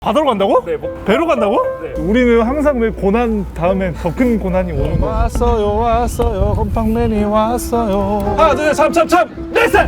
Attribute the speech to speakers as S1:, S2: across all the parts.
S1: 바다로 간다고?
S2: 네,
S1: 배로 간다고?
S2: 네.
S1: 우리는 항상 왜 고난 다음에 더 큰 고난이 오는 거. 왔어요 곰팡맨이 왔어요. 하나 둘 셋 참참참 넷셋.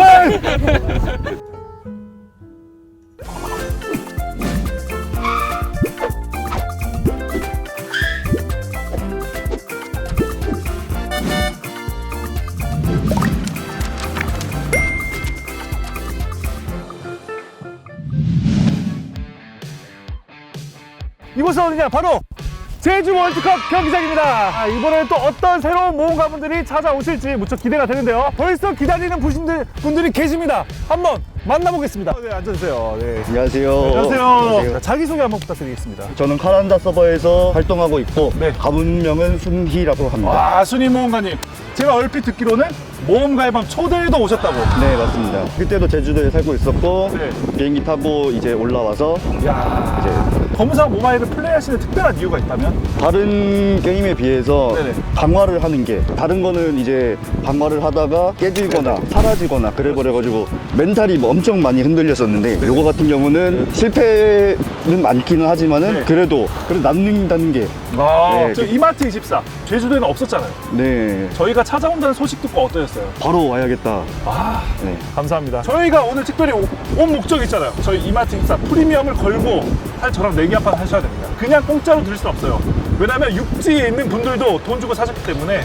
S1: 이곳은 어디냐? 바로 제주 월드컵 경기장입니다. 이번에는 또 어떤 새로운 모험가분들이 찾아오실지 무척 기대가 되는데요. 벌써 기다리는 분들이 계십니다. 한번 만나보겠습니다. 네, 앉아주세요. 네.
S3: 안녕하세요.
S1: 안녕하세요. 자기소개 한번 부탁드리겠습니다.
S3: 저는 카란다 서버에서 활동하고 있고
S1: 네.
S3: 가문명은 순희라고 합니다.
S1: 와, 순희 모험가님. 제가 얼핏 듣기로는 모험가의 밤 초대에도 오셨다고.
S3: 네, 맞습니다. 그때도 제주도에 살고 있었고
S1: 네.
S3: 비행기 타고 이제 올라와서
S1: 야,
S3: 이제
S1: 검사 모바일을 플레이하시는 특별한 이유가 있다면?
S3: 다른 게임에 비해서
S1: 네네.
S3: 강화를 하는 게 다른 거는 이제 강화를 하다가 깨지거나 사라지거나 그래버려가지고 멘탈이 뭐 엄청 많이 흔들렸었는데 요거 같은 경우는 실패는 많기는 하지만은
S1: 네.
S3: 그래도 남는다는 게 네,
S1: 저 이마트 24 제주도에는 없었잖아요.
S3: 네,
S1: 저희가 찾아온다는 소식 듣고 어떠셨어요?
S3: 바로 와야겠다.
S1: 아,
S3: 네.
S1: 감사합니다. 저희가 오늘 특별히 온 목적이 있잖아요. 저희 이마트 24 프리미엄을 걸고 사실 저랑 내기 한 판 하셔야 됩니다. 그냥 공짜로 드릴 수 없어요. 왜냐면 육지에 있는 분들도 돈 주고 사셨기 때문에.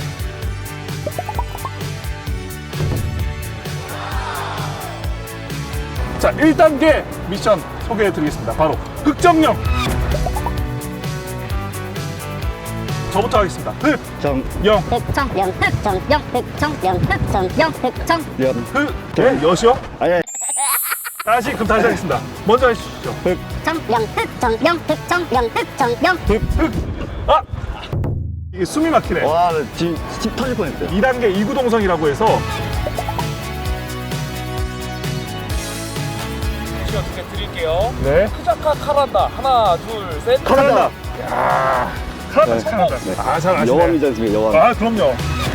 S1: 자, 1단계 미션 소개해 드리겠습니다. 바로 흑정령. 저부터 하겠습니다. 흑정.
S4: 흑정령 흑정령 흑정령 흑정령 흑정
S1: 네, 여시요?
S3: 아니
S1: 그럼 다시 하겠습니다. 먼저 해주시죠.
S4: 정령 흑정령 흑정령 흑정령
S1: 아! 이게 숨이 막히네.
S3: 와, 지금 집 터질 뻔했어요.
S1: 2단계 이구동성이라고 해서
S2: 시간 2개 드릴게요.
S1: 네.
S2: 크자카 카란다. 하나, 둘, 셋.
S1: 카란다. 야, 카란다
S3: 네.
S1: 카란다.
S3: 네.
S1: 아, 잘 아시네.
S3: 여왕이지 않습니까? 여왕.
S1: 아, 그럼요.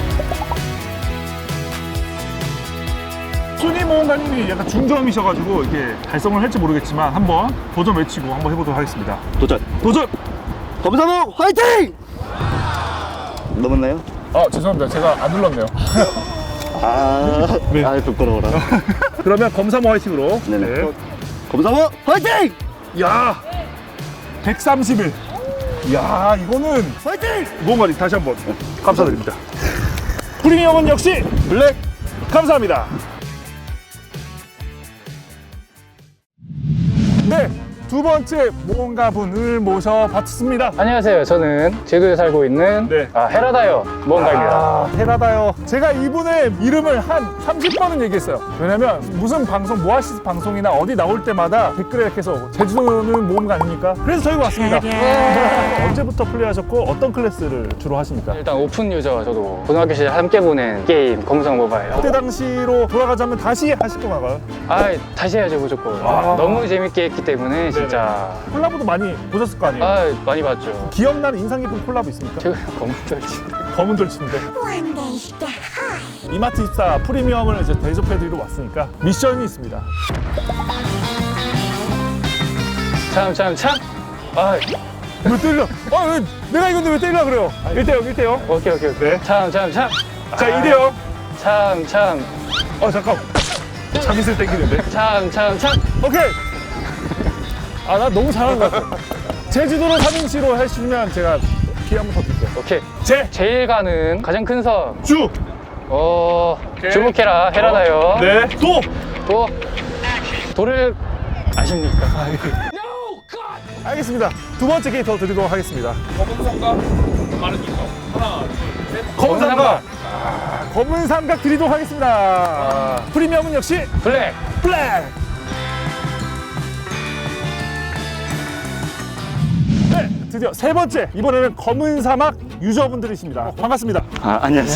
S1: 순위 모험가님이 약간 중저음이셔가지고 이게 달성을 할지 모르겠지만 한번 도전 외치고 한번 해보도록 하겠습니다.
S3: 도전.
S1: 도전!
S3: 검사모 화이팅! 넘었나요?
S1: 아, 죄송합니다. 제가 안 눌렀네요.
S3: 아,
S1: 네.
S3: 아 부끄러워라.
S1: 그러면 검사모 화이팅으로.
S3: 네네. 검사모 화이팅!
S1: 야, 131. 야, 이거는
S3: 화이팅!
S1: 모험가님 다시 한번 감사드립니다. 프리미엄은 역시 블랙. 감사합니다. 네, 두 번째 모험가분을 모셔봤습니다.
S5: 안녕하세요. 저는 제주에 살고 있는
S1: 네.
S5: 헤라다요 모험가입니다.
S1: 아, 헤라다요. 제가 이분의 이름을 한 30번은 얘기했어요. 왜냐면 무슨 방송, 모아시스 방송이나 어디 나올 때마다 댓글에 계속 제주도는 모험가 아닙니까? 그래서 저희가 왔습니다. 언제부터 플레이하셨고 어떤 클래스를 주로 하십니까?
S5: 일단 오픈 유저 저도 고등학교 시절 함께 보낸 게임 검성 모바일.
S1: 그때 당시로 돌아가자면 다시 하실 건가요?
S5: 다시 해야죠 무조건.
S1: 아.
S5: 너무 재밌게 했기 때문에 진짜
S1: 콜라보도 많이 보셨을 거 아니에요?
S5: 많이 봤죠.
S1: 기억나는 인상 깊은 콜라보 있습니까?
S5: 최근에 검은돌치.
S1: 검은 돌침대. 이마트 24 프리미엄을 이제 대접해드리러 왔으니까 미션이 있습니다.
S5: 참.
S1: 왜 때려? 왜, 내가 이건데 왜 때리려 그래요? 1대0, 1대0.
S5: 오케이.
S1: 네.
S5: 참.
S1: 자, 2대0.
S5: 참.
S1: 잠깐. 자기슬 땡기는데.
S5: 참.
S1: 오케이. 아, 나 너무 잘하는 것 같아. 제주도로 3인치로 해주시면 제가 기회 한 번 더 드릴게요.
S5: 오케이.
S1: 제,
S5: 제일 가는 가장 큰 섬.
S1: 주.
S5: 주목해라 헤라다요.
S1: 네. 도.
S5: 또 돌을 아십니까?
S1: 알겠습니다. 두 번째 게임 더 드리도록 하겠습니다.
S2: 검은 성과 많은 이거. 하나, 둘, 셋.
S1: 검은 삼각. 검은 삼각 드리도록 하겠습니다. 프리미엄은 역시
S5: 블랙.
S1: 블랙. 네, 드디어 세 번째. 이번에는 검은 사막 유저분들이십니다. 반갑습니다.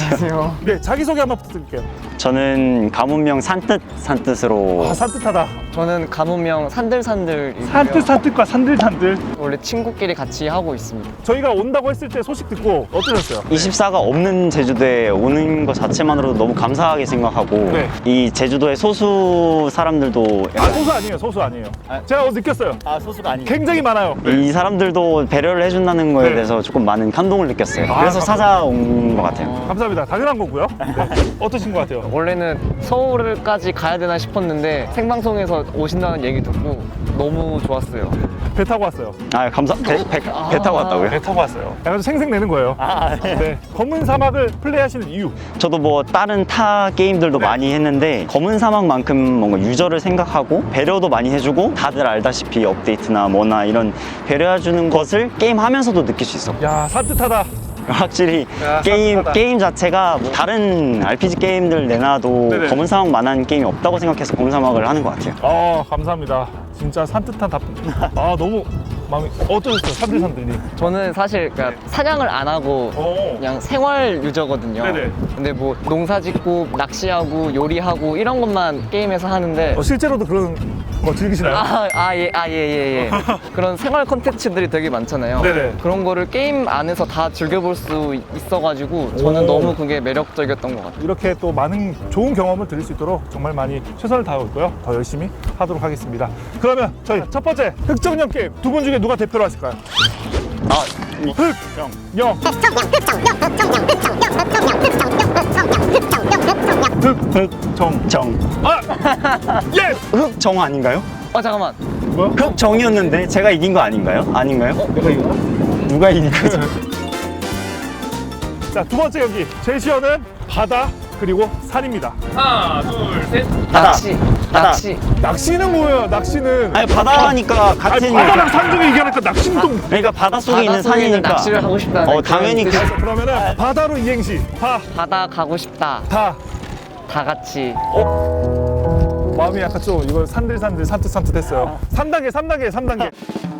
S6: 안녕하세요.
S1: 네, 자기소개 한번 부탁드릴게요.
S6: 저는 가문명 산뜻으로
S1: 아, 산뜻하다.
S6: 저는 가문명 산들산들이고요.
S1: 산뜻산뜻과 산들산들.
S6: 원래 친구끼리 같이 하고 있습니다.
S1: 저희가 온다고 했을 때 소식 듣고 어떠셨어요?
S7: 24가 없는 제주도에 오는 것 자체만으로도 너무 감사하게 생각하고
S1: 네.
S7: 이 제주도의 소수 사람들도
S1: 소수 아니에요, 소수 아니에요. 제가 느꼈어요.
S3: 소수가 아니에요.
S1: 굉장히 많아요.
S7: 이 사람들도 배려를 해준다는 거에
S1: 네.
S7: 대해서 조금 많은 감동을 느꼈어요. 그래서
S1: 감사합니다.
S7: 찾아온 것 같아요.
S1: 감사합니다. 당연한 거고요. 네. 어떠신 것 같아요?
S6: 원래는 서울까지 가야 되나 싶었는데 생방송에서 오신다는 얘기 듣고 너무 좋았어요.
S1: 배 타고 왔어요.
S7: 아 배 타고 왔다고요?
S1: 배 타고 왔어요. 약간 좀 생색내는 거예요. 네. 검은 사막을 플레이하시는 이유.
S7: 저도 뭐 다른 타 게임들도 많이 했는데 검은 사막만큼 뭔가 유저를 생각하고 배려도 많이 해주고 다들 알다시피 업데이트나 뭐나 이런 배려해주는 것을 게임하면서도 느낄 수 있어.
S1: 야, 산뜻하다.
S7: 확실히
S1: 야,
S7: 게임
S1: 산뜻하다.
S7: 자체가 뭐 다른 RPG 게임들 내놔도
S1: 네네.
S7: 검은 사막만한 게임이 없다고 생각해서 검은 사막을 하는 것 같아요.
S1: 감사합니다. 진짜 산뜻한 답변. 너무 마음이 어떠셨어요? 산들산들님.
S6: 저는 사실 그러니까 사냥을 안 하고 그냥 생활 유저거든요.
S1: 네네.
S6: 근데 뭐 농사 짓고 낚시하고 요리하고 이런 것만 게임에서 하는데
S1: 실제로도 그런 거 즐기시나요?
S6: 예. 그런 생활 콘텐츠들이 되게 많잖아요.
S1: 네네.
S6: 그런 거를 게임 안에서 다 즐겨볼 수 있어가지고 저는
S1: 오.
S6: 너무 그게 매력적이었던 것 같아요.
S1: 이렇게 또 많은 좋은 경험을 드릴 수 있도록 정말 많이 최선을 다하고 있고요. 더 열심히 하도록 하겠습니다. 그러면 저희 첫 번째 흑정령 게임 두 분 중에 누가 대표로 하실까요? 흑정
S7: 정.
S1: 예!
S7: 흑정 아닌가요?
S6: 잠깐만.
S1: 뭐야?
S7: 흑정이었는데 제가 이긴 거 아닌가요? 아닌가요?
S1: 내가 이거?
S7: 누가 이긴 거죠?
S1: 자, 두 번째 경기 제시어는 바다 그리고 산입니다.
S2: 하나, 둘, 셋.
S7: 바다. 바다.
S6: 낚시.
S1: 낚시는 뭐예요? 낚시는
S7: 아니 바다니까 같은
S1: 바다랑 산 중에 얘기하니까 낚시는 또
S7: 그러니까 바다 속에 있는
S6: 바다 속에 있는
S7: 산이니까
S6: 낚시를 하고 싶다는
S7: 당연히
S6: 그런 뜻이-
S1: 그러면은 바다로 이행시
S6: 바다 가고 싶다.
S1: 다
S6: 다 같이.
S1: 마음이 약간 좀 이거 산들산들 산뜻산뜻했어요. 3단계.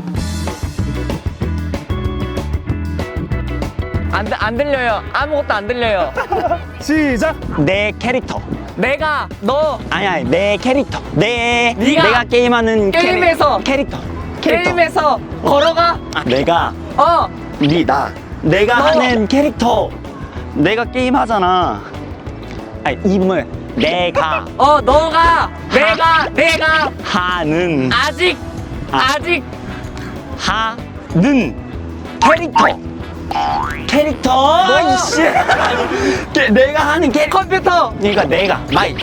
S6: 안 들려요. 아무것도 안 들려요.
S1: 시작.
S7: 내 캐릭터
S6: 너
S7: 아니 내 캐릭터
S6: 네가
S7: 내가 게임하는
S6: 게임에서
S7: 캐릭터
S6: 게임에서 걸어가.
S7: 내가
S6: 너.
S7: 내가 하는 캐릭터 내가 게임 하잖아. 아니 이름을 내가
S6: 너가 내가
S7: 하는
S6: 아직
S7: 하는 캐릭터 이씨 내가 하는 캐릭터
S6: 컴퓨터.
S7: 그러니까 내가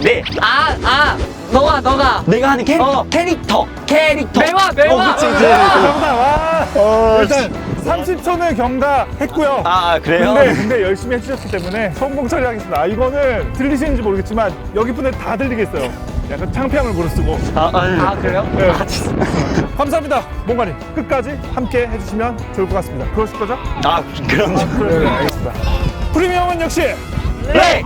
S6: 너가
S7: 내가 하는 캐릭터
S6: 매화.
S7: 그치.
S1: 정답. 와. 일단 30초는 경과했고요.
S7: 그래요?
S1: 근데 열심히 해주셨기 때문에 성공 처리하겠습니다. 이거는 들리시는지 모르겠지만 여기 분들 다 들리겠어요. 약간 창피함을 무릅쓰고.
S6: 그래요?
S1: 네. 감사합니다. 몽가님 끝까지 함께 해주시면 좋을 것 같습니다. 그러실 거죠?
S7: 그럼
S1: 네, 알겠습니다. 프리미엄은 역시
S7: 네.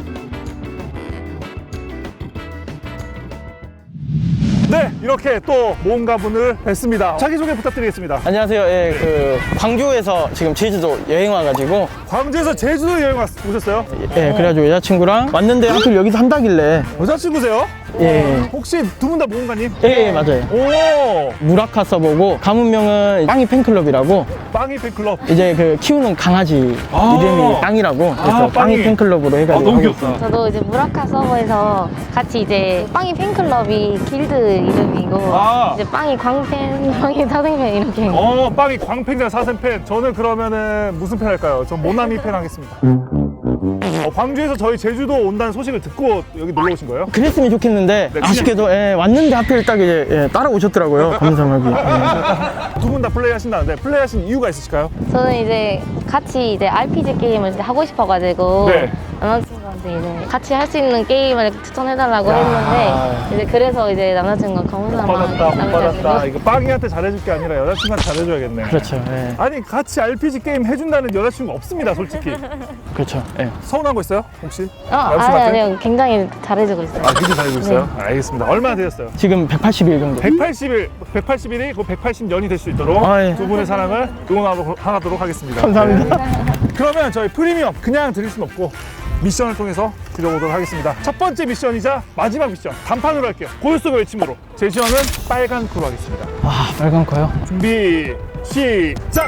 S1: 네, 이렇게 또 모험가 분을 뵀습니다. 자기소개 부탁드리겠습니다.
S8: 안녕하세요. 광주에서 지금 제주도 여행 와가지고,
S1: 광주에서 제주도 여행 오셨어요?
S8: 그래가지고 여자친구랑 왔는데 하필 여기서 한다길래,
S1: 여자친구세요? 혹시 두 분 다 모험가님?
S8: 맞아요.
S1: 오!
S8: 무라카 써보고, 가문명은 빵이 팬클럽이라고,
S1: 빵이 팬클럽.
S8: 이제 그 키우는 강아지 이름이 빵이라고, 그래서 빵이 팬클럽으로 해가지고.
S1: 너무
S8: 하고
S1: 귀엽다.
S9: 저도 이제 무라카 서버에서 같이 이제 빵이 팬클럽이 길드 이름이고 이제 빵이 광팬, 빵이 사생팬 이렇게.
S1: 빵이 광팬이랑 사생팬. 저는 그러면은 무슨 팬 할까요? 전 모나미 팬 하겠습니다. 광주에서 저희 제주도 온다는 소식을 듣고 여기 놀러 오신 거예요?
S8: 그랬으면 좋겠는데,
S1: 그냥-
S8: 아쉽게도 왔는데 하필 딱 이제 따라오셨더라고요. 감사하게.
S1: 두 분 다 플레이 하신다는데 플레이 하신 이유가 있으실까요?
S9: 저는 이제 같이 이제 RPG 게임을 이제 하고 싶어가지고
S1: 네.
S9: 남자친구한테 이제 같이 할 수 있는 게임을 이렇게 추천해달라고 했는데 이제 그래서 이제 남자친구가 검은사막
S1: 못 받았다. 이거 빵이한테 잘해줄 게 아니라 여자친구한테 잘해줘야겠네.
S8: 그렇죠.
S1: 아니 같이 RPG 게임 해준다는 여자친구 없습니다, 솔직히.
S8: 그렇죠.
S1: 서운한 거 있어요, 혹시?
S9: 아니
S1: 남친한테?
S9: 아니요, 굉장히 잘해주고 있어요.
S1: 굉장히 잘해주고 있어요? 알겠습니다. 얼마나 되셨어요?
S8: 지금 180일 정도.
S1: 180일이 곧 180년이 될 수 있도록
S8: 예.
S1: 두 분의 사랑을 응원하도록 하겠습니다.
S8: 감사합니다.
S1: 네. 그러면 저희 프리미엄 그냥 드릴 순 없고 미션을 통해서 드려보도록 하겠습니다. 첫 번째 미션이자 마지막 미션 단판으로 할게요. 고요 속의 외침으로 제시어는 빨간 코로 하겠습니다.
S8: 아, 빨간 거요?
S1: 준비 시작.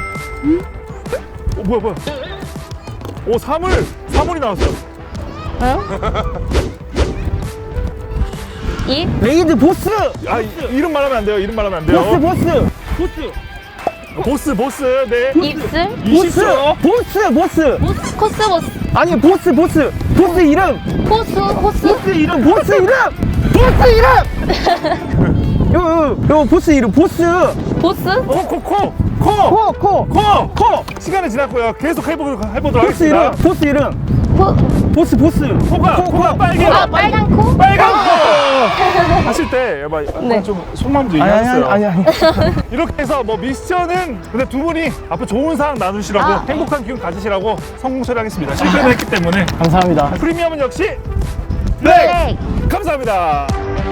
S1: 뭐야 오 사물이 나왔어요.
S9: 이?
S8: 레이드 보스!
S1: 아 이름 말하면 안 돼요. 이름 말하면 안 돼요. 보스 네.
S9: 입술?
S8: 보스!
S9: 코스 보스.
S8: 아니, 보스 이름!
S9: 호수 호수.
S8: 보스 이름! 요 보스 이름, 보스!
S9: 보스?
S1: 코 시간이 지났고요. 계속 해보도록 하겠습니다.
S8: 보스 이름! 보스!
S1: 코가 빨개요.
S9: 아 빨간 코?
S1: 빨간 코 하실 때 약간
S9: 네.
S1: 좀 속마음도 얘기하셨어요.
S8: 아니.
S1: 이렇게 해서 뭐 미션은 근데 두 분이 앞으로 좋은 상황 나누시라고
S9: 아.
S1: 행복한 기운 가지시라고 성공 처리하겠습니다. 실패를 했기 때문에
S8: 감사합니다.
S1: 프리미엄은 역시
S9: 네.
S1: 감사합니다.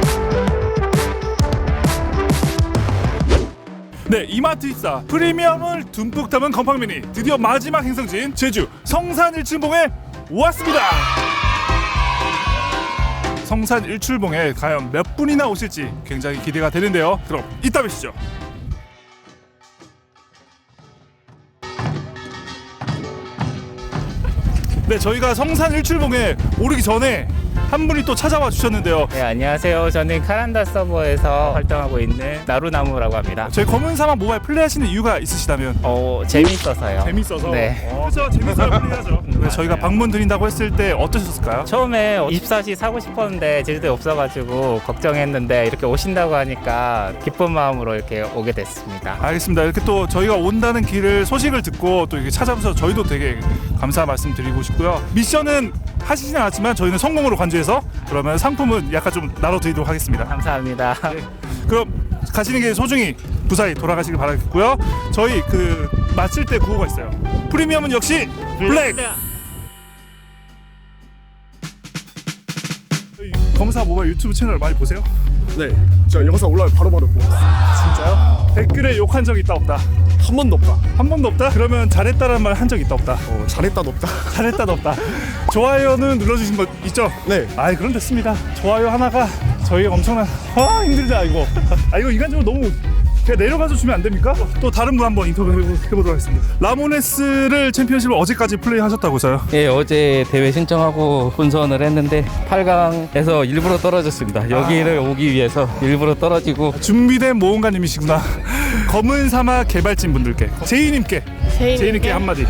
S1: 네, 이마트 입사 프리미엄을 듬뿍 담은 건빵 미니 드디어 마지막 행성지인 제주 성산 일출봉에 왔습니다. 성산 일출봉에 과연 몇 분이나 오실지 굉장히 기대가 되는데요. 그럼 이따 뵙시죠. 네, 저희가 성산 일출봉에 오르기 전에 한 분이 또 찾아와 주셨는데요.
S10: 네, 안녕하세요. 저는 카란다 서버에서 활동하고 있는 나루나무라고 합니다.
S1: 저희 검은 사막 모바일 플레이하시는 이유가 있으시다면?
S10: 재밌어서요.
S1: 재밌어서?
S10: 네.
S1: 그렇죠. 재밌어야 플레이하죠. 네, 저희가 방문 드린다고 했을 때 어떠셨을까요?
S10: 처음에 24시 사고 싶었는데 제주도에 없어가지고 걱정했는데 이렇게 오신다고 하니까 기쁜 마음으로 이렇게 오게 됐습니다.
S1: 알겠습니다. 이렇게 또 저희가 온다는 길을 소식을 듣고 또 이렇게 찾아오셔서 저희도 되게 감사 말씀 드리고 싶고요. 미션은 하시진 않았지만 저희는 성공으로 간주해서 그러면 상품은 약간 좀 나눠드리도록 하겠습니다.
S10: 감사합니다.
S1: 네. 그럼 가시는 길 소중히 무사히 돌아가시길 바라겠고요. 저희 그 마칠 때 구호가 있어요. 프리미엄은 역시 블랙. 검사 모바일 유튜브 채널 많이 보세요?
S2: 네, 저 영상 올라오면 바로바로 보고.
S1: 진짜요? 댓글에 욕한 적 있다 없다?
S2: 한 번도 없다.
S1: 한 번도 없다? 그러면 잘했다라는 말 한 적 있다 없다?
S2: 잘했다도 없다.
S1: 잘했다도 없다. 좋아요는 눌러주신 거 있죠?
S2: 네.
S1: 아이 그럼 됐습니다. 좋아요 하나가 저희 엄청난 힘들다 이거. 이거 인간적으로 너무 그냥 내려가서 주면 안 됩니까? 또 다른 분 한번 인터뷰 해보도록 하겠습니다. 라모네스를 챔피언십을 어제까지 플레이하셨다고서요?
S11: 예, 어제 대회 신청하고 본선을 했는데 8강에서 일부러 떨어졌습니다. 여기를 오기 위해서 일부러 떨어지고.
S1: 준비된 모험가님이시구나. 검은 사막 개발진 분들께 제이님께 한마디.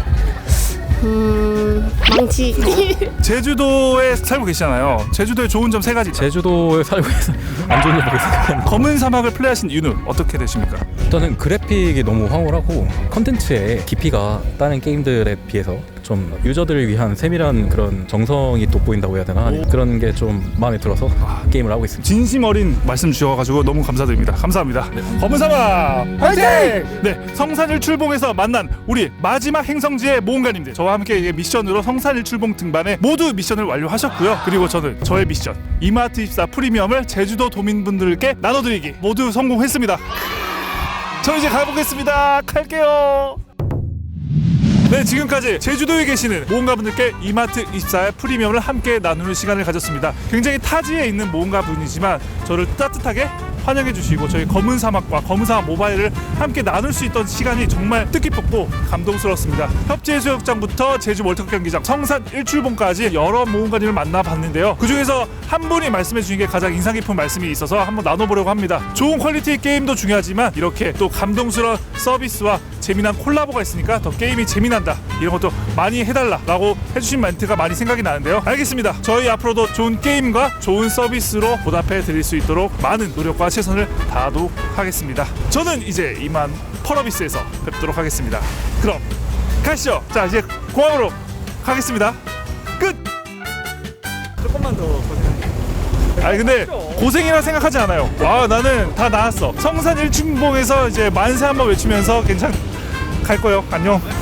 S9: 망치.
S1: 제주도에 살고 계시잖아요. 제주도의 좋은 점 3가지.
S12: 제주도에 살고 있어서 안 좋은 일밖에 생각이 안 나요.
S1: 검은 사막을 플레이하신 이유는 어떻게 되십니까?
S12: 일단은 그래픽이 너무 황홀하고 컨텐츠의 깊이가 다른 게임들에 비해서 좀 유저들을 위한 세밀한 그런 정성이 돋보인다고 해야 되나? 그런 게 좀 마음에 들어서 게임을 하고 있습니다.
S1: 진심 어린 말씀 주셔가지고 너무 감사드립니다. 감사합니다. 검은 사막 화이팅! 네, 성산 일출봉에서 만난 우리 마지막 행성지의 모험가님들, 저와 함께 미션으로 성산 일출봉 등반에 모두 미션을 완료하셨고요. 그리고 저는 저의 미션 이마트 입사 프리미엄을 제주도 도민분들께 나눠드리기 모두 성공했습니다. 저 이제 가보겠습니다. 갈게요. 네, 지금까지 제주도에 계시는 모험가분들께 이마트 입사의 프리미엄을 함께 나누는 시간을 가졌습니다. 굉장히 타지에 있는 모험가분이지만 저를 따뜻하게 환영해 주시고 저희 검은 사막과 검은 사막 모바일을 함께 나눌 수 있던 시간이 정말 뜻깊었고 감동스러웠습니다. 협재해수욕장부터 제주 월드컵 경기장, 성산 일출봉까지 여러 모험가님을 만나봤는데요. 그중에서 한 분이 말씀해 주신 게 가장 인상 깊은 말씀이 있어서 한번 나눠보려고 합니다. 좋은 퀄리티의 게임도 중요하지만 이렇게 또 감동스러운 서비스와 재미난 콜라보가 있으니까 더 게임이 재미난다, 이런 것도 많이 해달라라고 해주신 멘트가 많이 생각이 나는데요. 알겠습니다. 저희 앞으로도 좋은 게임과 좋은 서비스로 보답해 드릴 수 있도록 많은 노력과 최선을 다하도록 하겠습니다. 저는 이제 이만 펄어비스에서 뵙도록 하겠습니다. 그럼 가시죠. 자, 이제 공항으로 가겠습니다. 끝.
S2: 조금만 더 고생하세요.
S1: 아니 근데 고생이라 생각하지 않아요. 와, 나는 다 나았어. 성산 일출봉에서 이제 만세 한번 외치면서 괜찮 갈 거예요. 안녕.